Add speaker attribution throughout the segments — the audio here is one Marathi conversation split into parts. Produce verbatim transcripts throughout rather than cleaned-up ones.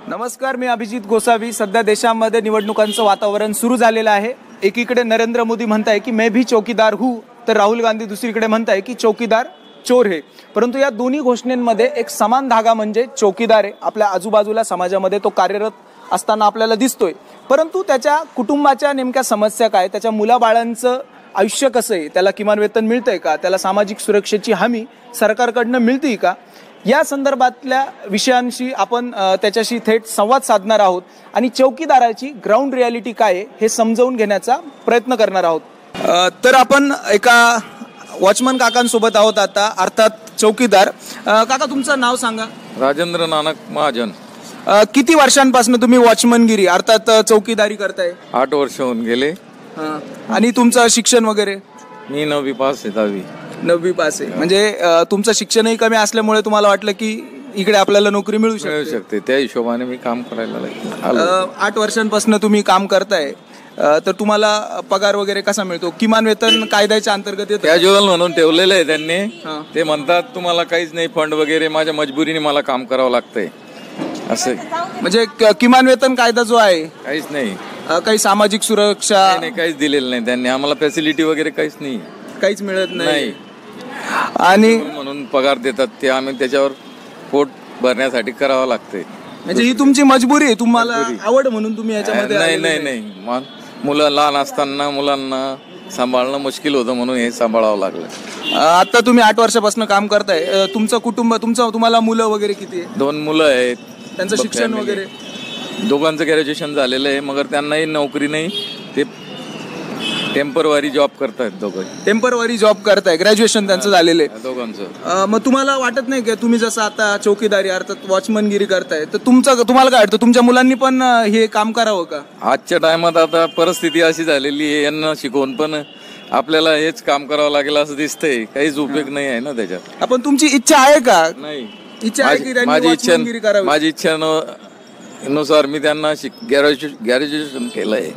Speaker 1: नमस्कार, मी अभिजित गोसावी. सध्या देशामध्ये निवडणुकांचं वातावरण सुरू झालेलं आहे. एकीकडे नरेंद्र मोदी म्हणताय की मैं भी चौकीदार हूँ, तर राहुल गांधी दुसरीकडे म्हणताय की चौकीदार चोर है. परंतु या दोन्ही घोषणेंमध्ये एक समान धागा म्हणजे चौकीदार आहे. आपल्या आजूबाजूला समाजामध्ये तो कार्यरत असताना आपल्याला दिसतोय. परंतु त्याच्या कुटुंबाच्या नेमक्या समस्या काय, त्याच्या मुलाबाळांचं आयुष्य कसं आहे, त्याला किमान वेतन मिळतंय का, त्याला सामाजिक सुरक्षेची हमी सरकारकडनं मिळते का, या संदर्भातल्या विषयांशी आपण त्याच्याशी थेट संवाद साधणार आहोत आणि चौकीदाराची ग्राउंड रियालिटी काय आहे हे समजावून घेण्याचा प्रयत्न करणार आहोत. तर आपण एका वॉचमन काकांसोबत आहोत आता, अर्थात चौकीदार. काका, तुमचं नाव सांगा.
Speaker 2: राजेंद्र नानक महाजन.
Speaker 1: किती वर्षांपासून तुम्ही वॉचमनगिरी अर्थात चौकीदारी करताय?
Speaker 2: आठ वर्ष होऊन गेले.
Speaker 1: आणि तुमचं शिक्षण वगैरे?
Speaker 2: मी नववी पास आहे. दहावी
Speaker 1: नववी पास आहे. म्हणजे तुमचं शिक्षणही कमी असल्यामुळे तुम्हाला वाटलं की इकडे आपल्याला नोकरी मिळू
Speaker 2: शकते, त्या हिशोबाने मी काम करायला लागलो.
Speaker 1: आठ वर्षांपासून तुम्ही काम करताय, तर तुम्हाला पगार वगैरे कसा मिळतो? किमान वेतन कायद्याच्या अंतर्गत येतं?
Speaker 2: कॅज्युअल म्हणून ठेवलेलं आहे त्यांनी. ते म्हणतात तुम्हाला काहीच नाही, फंड वगैरे. माझ्या मजबुरीने मला काम करावं लागतंय असं.
Speaker 1: म्हणजे किमान वेतन कायदा जो आहे
Speaker 2: काहीच नाही,
Speaker 1: काही सामाजिक सुरक्षा
Speaker 2: नाही, काहीच दिलेलं नाही त्यांनी आम्हाला. फॅसिलिटी वगैरे काहीच नाही,
Speaker 1: काहीच मिळत नाही.
Speaker 2: आणि म्हणून पगार देतात ते, आम्ही त्याच्यावर पोट भरण्यासाठी करावं लागतंय.
Speaker 1: म्हणजे ही तुमची मजबुरी आहे, तुम्हाला आवड म्हणून तुम्ही याच्यामध्ये?
Speaker 2: नाही नाही नाही, मुलं लहान असताना मुलांना सांभाळणं मुश्किल होतं म्हणून हे सांभाळावं लागलं.
Speaker 1: आता तुम्ही आठ वर्षापासून काम करताय. तुमचं कुटुंब, तुमचं तुम्हाला मुलं वगैरे किती आहे?
Speaker 2: दोन मुलं आहेत.
Speaker 1: त्यांचं शिक्षण वगैरे?
Speaker 2: दोघांचं ग्रॅज्युएशन झालेलं आहे, मगर त्यांनाही नोकरी नाही. ते टेम्पररी जॉब करतायत. दोघं
Speaker 1: टेम्पररी जॉब करताय, ग्रॅज्युएशन त्यांचं झालेलं आहे
Speaker 2: दोघांचं.
Speaker 1: मग तुम्हाला वाटत नाही की तुम्ही जसं आता चौकीदारी अर्थात वॉचमनगिरी करताय, तर तुमचं तुम्हाला काय वाटतं, तुमच्या मुलांनी पण हे काम करावं का?
Speaker 2: आजच्या टायमात आता परिस्थिती अशी झालेली आहे, यांना शिकवून पण आपल्याला हेच काम करावं लागेल असं दिसतंय. काहीच उपयोग नाही आहे ना त्याच्यात.
Speaker 1: आपण तुमची इच्छा आहे का?
Speaker 2: नाही,
Speaker 1: इच्छा आहे की
Speaker 2: माझी इच्छा माझी इच्छा नुसार मी त्यांना ग्रॅज्युएशन केलंय,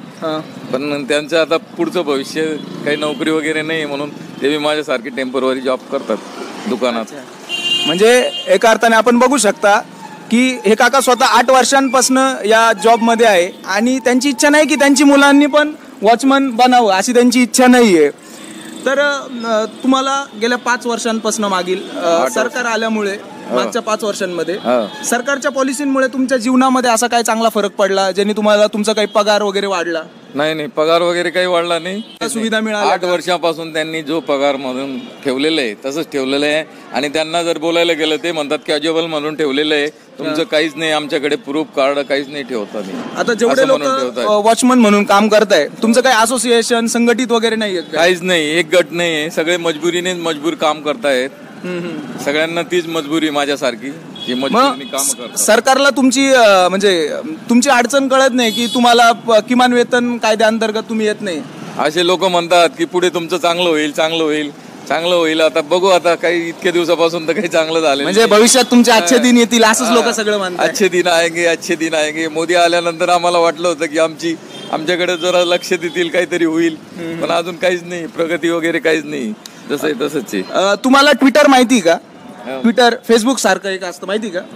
Speaker 2: पण त्यांचं आता पुढचं भविष्य काही नोकरी वगैरे नाही म्हणून ते बी माझ्यासारखी टेम्पररी जॉब करतात दुकानात.
Speaker 1: म्हणजे एका अर्थाने आपण बघू शकता की हे काका स्वतः आठ वर्षांपासून या जॉबमध्ये आहे आणि त्यांची इच्छा नाही की त्यांची मुलांनी पण वॉचमन बनावं, अशी त्यांची इच्छा नाहीये. तर तुम्हाला गेल्या पाच वर्षांपासून मागील सरकार आल्यामुळे, मागच्या पाच वर्षांमध्ये सरकारच्या पॉलिसीमुळे तुमच्या जीवनामध्ये असा काय चांगला फरक पडला ज्याने तुम्हाला तुमचा काही पगार वगैरे वाढला?
Speaker 2: नाही नाही, पगार वगैरे काही वाढला नाही.
Speaker 1: सुविधा मिळाली?
Speaker 2: आठ वर्षापासून त्यांनी जो पगार म्हणून ठेवलेलं आहे तसंच ठेवलेलं आहे. आणि त्यांना जर बोलायला गेलं ते म्हणतात कॅज्युअल म्हणून ठेवलेलं आहे, तुमचं काहीच नाही, आमच्याकडे प्रूफ कार्ड काहीच नाही ठेवता.
Speaker 1: आता जेवढे लोक वॉचमन म्हणून काम करताय, तुमचं काही असोसिएशन संघटित वगैरे नाही?
Speaker 2: काहीच नाही, एक गट नाही, सगळे मजबुरीने मजबूर काम करतायत. सगळ्यांना तीच मजबुरी माझ्यासारखी जी मजबुरीने काम करतात.
Speaker 1: सरकारला तुमची म्हणजे तुमची अडचण कळत नाही की तुम्हाला किमान वेतन कायद्याअंतर्गत तुम्ही येत नाही?
Speaker 2: असे लोक म्हणतात की पुढे तुमचं चांगलं होईल, चांगलं होईल, चांगलं होईल. आता बघू, आता काही इतक्या दिवसापासून तर काही चांगलं झालं
Speaker 1: म्हणजे भविष्यात तुमचे अच्छे दिन येतील असंच लोक सगळं म्हणतात.
Speaker 2: अच्छे दिन आएंगे, अच्छे दिन आएंगे. मोदी आल्यानंतर आम्हाला वाटलं होतं की आमची आमच्याकडे जरा लक्ष देतील, काहीतरी होईल, पण अजून काहीच नाही, प्रगती वगैरे काहीच नाही. जसं आहे तसंच आहे.
Speaker 1: तुम्हाला ट्विटर माहिती का? ट्विटर, फेसबुक सारखं एक असतं माहिती का?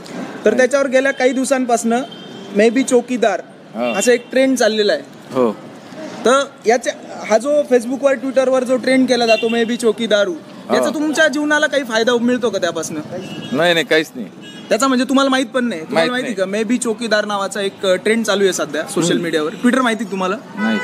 Speaker 1: तर त्याच्यावर गेल्या काही दिवसांपासून मे बी चौकीदार असं एक ट्रेंड चाललेला आहे.
Speaker 2: हो.
Speaker 1: तर याच्या हा जो फेसबुकवर, ट्विटरवर जो ट्रेंड केला जातो मे बी चौकीदारू, याचा तुमच्या जीवनाला काही फायदा मिळतो का त्यापासून?
Speaker 2: नाही नाही, काहीच नाही
Speaker 1: त्याचा. म्हणजे तुम्हाला माहित पण नाही? तुम्हाला माहिती का मे बी चौकीदार नावाचा एक ट्रेंड चालू आहे सध्या सोशल मीडियावर? ट्विटर माहिती तुम्हाला?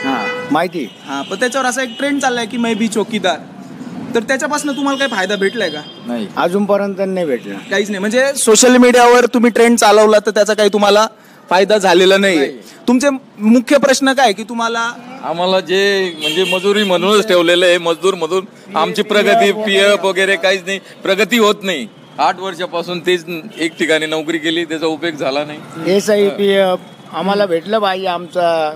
Speaker 3: माहिती.
Speaker 1: हा, पण त्याच्यावर असा एक ट्रेंड चाललाय की मे बी चौकीदार. तर त्याच्यापासून तुम्हाला काही फायदा भेटलाय का?
Speaker 3: नाही, अजूनपर्यंत नाही भेटला.
Speaker 1: काहीच नाही. म्हणजे सोशल मीडियावर तुम्ही ट्रेंड चालवला तर त्याचा काही तुम्हाला फायदा झालेला नाही. तुमचे मुख्य प्रश्न काय की तुम्हाला?
Speaker 2: आम्हाला जे म्हणजे मजुरी म्हणूनच ठेवलेलं आहे, मजदूर मधून आमची प्रगती, पीएफ वगैरे काहीच नाही, प्रगती होत नाही. आठ वर्षापासून तेच एक ठिकाणी नोकरी केली, त्याचा उपयोग झाला नाही.
Speaker 3: एस आय पी एफ आम्हाला भेटलं पाहिजे, आमचा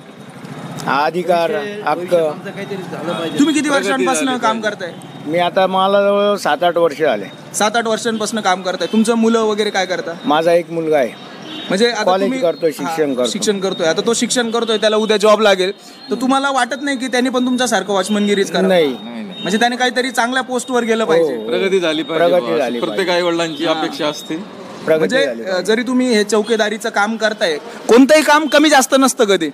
Speaker 3: अधिकार हक्क.
Speaker 1: तुम्ही किती वर्षांपासून काम करताय?
Speaker 3: मी आता मला जवळ सात आठ वर्ष आले.
Speaker 1: सात आठ वर्षांपासून काम करताय. तुमचं मुलं वगैरे काय करता?
Speaker 3: माझा एक मुलगा आहे,
Speaker 1: म्हणजे
Speaker 3: कॉलेज करतोय, शिक्षण करतो
Speaker 1: शिक्षण करतोय आता तो शिक्षण करतोय, त्याला उद्या जॉब लागेल, तर तुम्हाला वाटत नाही की त्यांनी पण तुमच्यासारखं वॉचमनगिरीच करावं?
Speaker 3: नाही,
Speaker 1: म्हणजे त्याने काहीतरी चांगल्या पोस्टवर गेलं पाहिजे,
Speaker 2: प्रगती झाली पाहिजे, प्रत्येक आई वडिलांची अपेक्षा असते.
Speaker 3: प्रगती झाली
Speaker 1: म्हणजे
Speaker 3: पाहिजे.
Speaker 1: जरी तुम्ही हे चौकीदारीचं काम करताय, कोणतंही काम कमी जास्त नसतं कधी.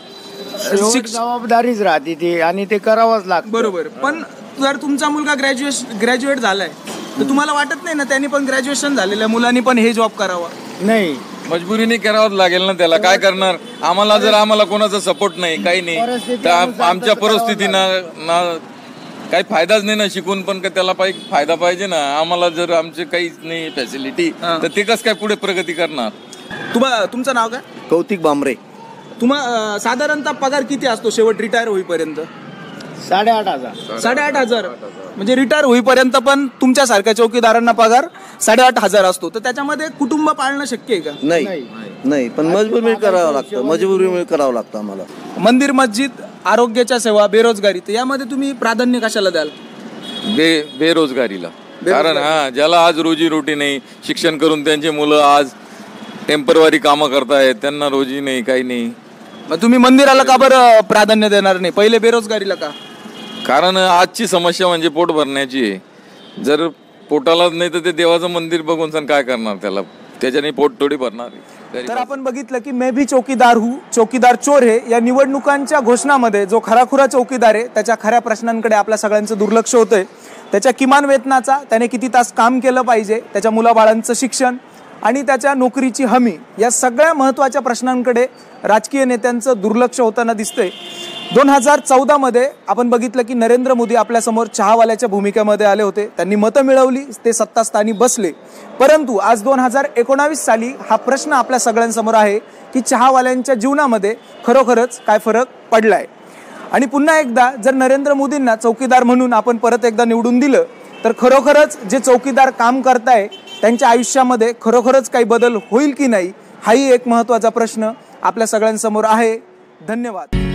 Speaker 3: शेवट
Speaker 1: शिक्ष-
Speaker 3: जबाबदारीच राहते ती आणि ते करावंच लागतं.
Speaker 1: बरोबर. पण जर तुमचा मुलगा ग्रॅज्युएशन ग्रॅज्युएट झालाय तर तुम्हाला वाटत नाही ना त्यांनी पण ग्रॅज्युएशन झालेल्या मुलांनी पण हे जॉब करावा?
Speaker 3: नाही,
Speaker 2: मजबुरीने करावंच लागेल ना त्याला, काय करणार. आम्हाला जर आम्हाला कोणाचा सपोर्ट नाही, काही नाही,
Speaker 3: परिस्थिती
Speaker 2: तर आम-
Speaker 3: अनुसार
Speaker 2: आमच्या
Speaker 3: तसं करावं
Speaker 2: परिस्थितीनं ना काही फायदाच नाही ना, शिकून पण का त्याला पाहिजे फायदा पाहिजे ना. आम्हाला जर आमचे काहीच नाही फॅसिलिटी, तर ते कसं काय पुढे प्रगती करणार.
Speaker 1: तुम्हा तुमचं नाव काय?
Speaker 4: कौतिक बांबरे.
Speaker 1: तुम्हा साधारणतः पगार किती असतो शेवट रिटायर होईपर्यंत?
Speaker 3: साडेआठ हजार
Speaker 1: साडेआठ हजार. म्हणजे रिटायर होईपर्यंत पण तुमच्यासारख्या चौकीदारांना पगार साडेआठ हजार असतो, तर त्याच्यामध्ये कुटुंब पाळणं शक्य आहे का?
Speaker 4: नाही
Speaker 3: नाही.
Speaker 4: नाही, पण मजबुरी करावं लागतं, मजबुरी करावं लागतं आम्हाला.
Speaker 1: मंदिर, मस्जिद, आरोग्याच्या सेवा, बेरोजगारी, तर यामध्ये तुम्ही प्राधान्य कशाला द्याल?
Speaker 2: बे बेरोजगारीला. कारण हा ज्याला आज रोजी रोटी नाही, शिक्षण करून त्यांचे मुलं आज टेम्परवारी कामं करतायत, त्यांना रोजी नाही, काही नाही.
Speaker 1: मग तुम्ही मंदिराला का बरं प्राधान्य देणार नाही, पहिले बेरोजगारीला का?
Speaker 2: कारण आजची समस्या म्हणजे पोट भरण्याची आहे. जर पोटालाच नाही तर ते देवाचं मंदिर बघून सण काय करणार त्याला, त्याच्याने पोट थोडी भरणार.
Speaker 1: तर आपण बघितलं की मैं भी चौकीदार हूँ, चौकीदार चोर है या निवडणुकांच्या घोषणामध्ये जो खराखुरा चौकीदार आहे त्याच्या खऱ्या प्रश्नांकडे आपल्या सगळ्यांचं दुर्लक्ष होतंय. त्याच्या किमान वेतनाचा, त्याने किती तास काम केलं पाहिजे, त्याच्या मुलाबाळांचं शिक्षण आणि त्याच्या नोकरीची हमी, या सगळ्या महत्त्वाच्या प्रश्नांकडे राजकीय नेत्यांचं दुर्लक्ष होताना दिसतंय. दोन हजार चौदामध्ये आपण बघितलं की नरेंद्र मोदी आपल्यासमोर चहावाल्याच्या भूमिकेमध्ये आले होते, त्यांनी मतं मिळवली, ते सत्तास्थानी बसले. परंतु आज दोन हजार एकोणावीस साली हा प्रश्न आपल्या सगळ्यांसमोर आहे की चहावाल्यांच्या जीवनामध्ये खरोखरच काय फरक पडलाय. आणि पुन्हा एकदा जर नरेंद्र मोदींना चौकीदार म्हणून आपण परत एकदा निवडून दिलं तर खरोखरच जे चौकीदार काम करताय त्यांच्या आयुष्यामध्ये खरोखरच काही बदल होईल की नाही, हाही एक महत्त्वाचा प्रश्न आपल्या सगळ्यांसमोर आहे. धन्यवाद.